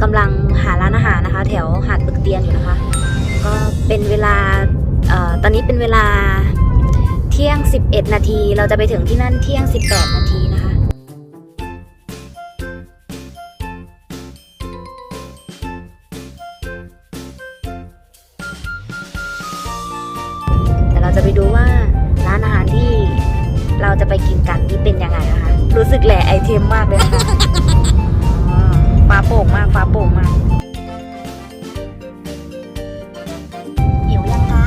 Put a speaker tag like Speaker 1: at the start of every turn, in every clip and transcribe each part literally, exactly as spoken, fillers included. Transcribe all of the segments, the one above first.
Speaker 1: ำลังหาร้านอาหารนะคะ แถวหาดปึกเตียนอยู่นะคะก็เป็นเวลาเอ่อตอนนี้เป็นเวลาเที่ยงสิบเอ็ดนาทีเราจะไปถึงที่นั่นเที่ยงสิบแปดนาทีนะคะแต่เราจะไปดูว่าร้านอาหารที่เราจะไปกินกันนี่เป็นยังไงนะคะรู้สึกแหล่ไอเทมมากเลยค่ะฟ้าโป่งมากฟ้าโป่งมากหิวยังคะ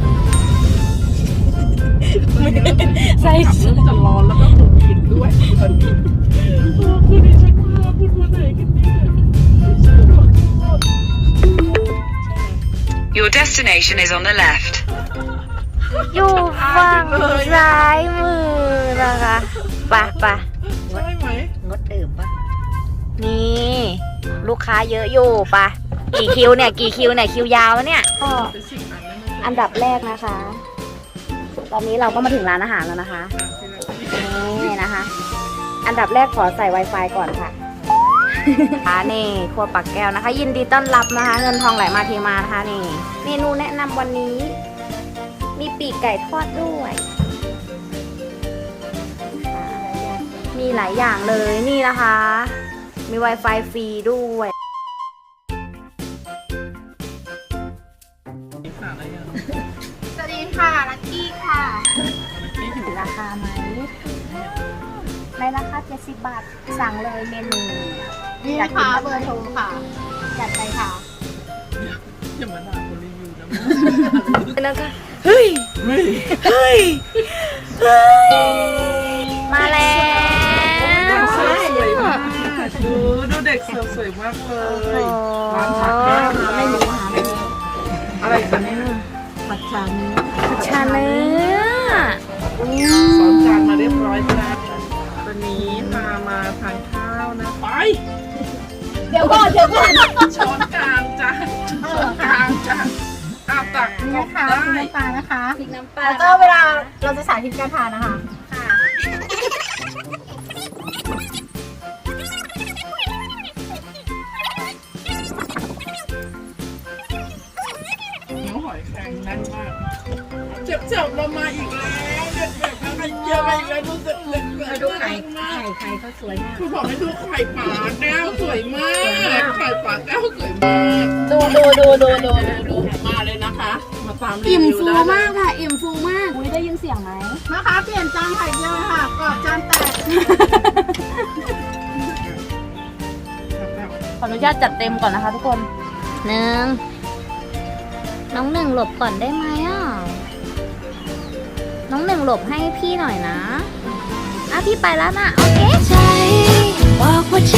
Speaker 1: ใส่
Speaker 2: เริ่มจะร้อนแล้วก็ถูกกินด้วยตอนนี้คุณดิฉันว่าพูดว่าไหนกันเนี่ย
Speaker 3: Your destination is on the left.
Speaker 1: อยู่ฝั่งซ้ายมือนะคะปะปะ
Speaker 2: ใช่ไหม
Speaker 1: งดดื่มปะนี่ลูกค้าเยอะอยู่ปะกี่คิวเนี่ยกี่คิวเนี่ยคิวยาวเนี่ยก็
Speaker 2: เป็นสิ่งนั้นนะ
Speaker 1: อันดับแรกนะคะ ตอนนี้เราก็มาถึงร้านอาหารแล้วนะคะนี่นะคะ อันดับแรกขอใส่ Wi-Fi ก่อนค่ะอ่านี่ครัวปักแก้วนะคะ ยินดีต้อนรับนะคะ เงินทองไหลมาเทมานะคะนี่เมนูแนะนำวันนี้ มีปีกไก่ทอดด้วยมีหลายอย่างเลยนี่นะคะ มี Wi-Fi ฟรีด้วย
Speaker 4: สวัสดีค่ะลักกี้ค่ะ
Speaker 1: ราคาไหมในราคาเจ็ดสิบบาทสั่งเลยเมนู
Speaker 4: นี่
Speaker 1: อยากกิน
Speaker 4: ค่ะ
Speaker 1: อะไร
Speaker 4: เบอร์โทรค่ะ จัดไปค่ะ
Speaker 2: อย่ามาด่าคนรีวิวนะ
Speaker 1: นะคะเฮ้ย
Speaker 2: เฮ้ย
Speaker 1: เฮ้ยเฮ้ยมาแล้ว
Speaker 2: สวยมากดูดูเด็กเสิร์ฟสวยมากเลยร้านผักแก้วนะ
Speaker 4: ไม่รู้ค่ะไม่รู้
Speaker 2: อะไรกันเนี่ย
Speaker 4: ผัดชาเนื้อ
Speaker 1: ชาเนื้อ
Speaker 2: สอนจานมาเรียบร้อยจ้าวันนี้มามาทานข้าวนะไป
Speaker 4: เดี๋ยวก่อนเดี๋ยวก่อน
Speaker 2: ช้อนกลางจ้าช้อนกลางจ้าอาตัก
Speaker 4: นี่
Speaker 2: ก็
Speaker 4: นะคะ
Speaker 2: ได้
Speaker 4: พริกน้ำปลานะคะ
Speaker 1: พริกน้ำปลา
Speaker 4: แล้วก็เวลาเราจะสาธิตการทานนะคะ
Speaker 2: เนื้อหอยแครงแน่นมากเจ็บเจ็บเรามาอีกแล้วเด็ดแบบนั้นไอ้เยี่ยมาอีกแล้วดูเด็ดเด็ดเลยดูไข่ไข่ไข่เขาสวยมากคือบอกให้ดูไข่ปลาแก้วสวยมากไข่ปลาแก้วสวยมาก
Speaker 4: ดูดูดูดูดูดู
Speaker 2: มาเลยนะคะ มาตามรี
Speaker 4: อิ่ม
Speaker 2: วิว
Speaker 4: ฟู
Speaker 2: ได้
Speaker 4: มากค่ะ อิ่มฟูมาก
Speaker 1: อุ้ยได้ยินเสียงไหม
Speaker 4: นะคะ เปลี่ยนจานไข่เจียวค่ะกรอบจานแตก
Speaker 1: ขออนุญาตจัดเต็มก่อนนะคะทุกคนหนึ่งน้องหนึ่งหลบก่อนได้ไหมอ่ะน้องหนึ่งหลบให้พี่หน่อยนะอ่ะพี่ไปแล้วนะโอเค
Speaker 5: ใจบอกว่าใจ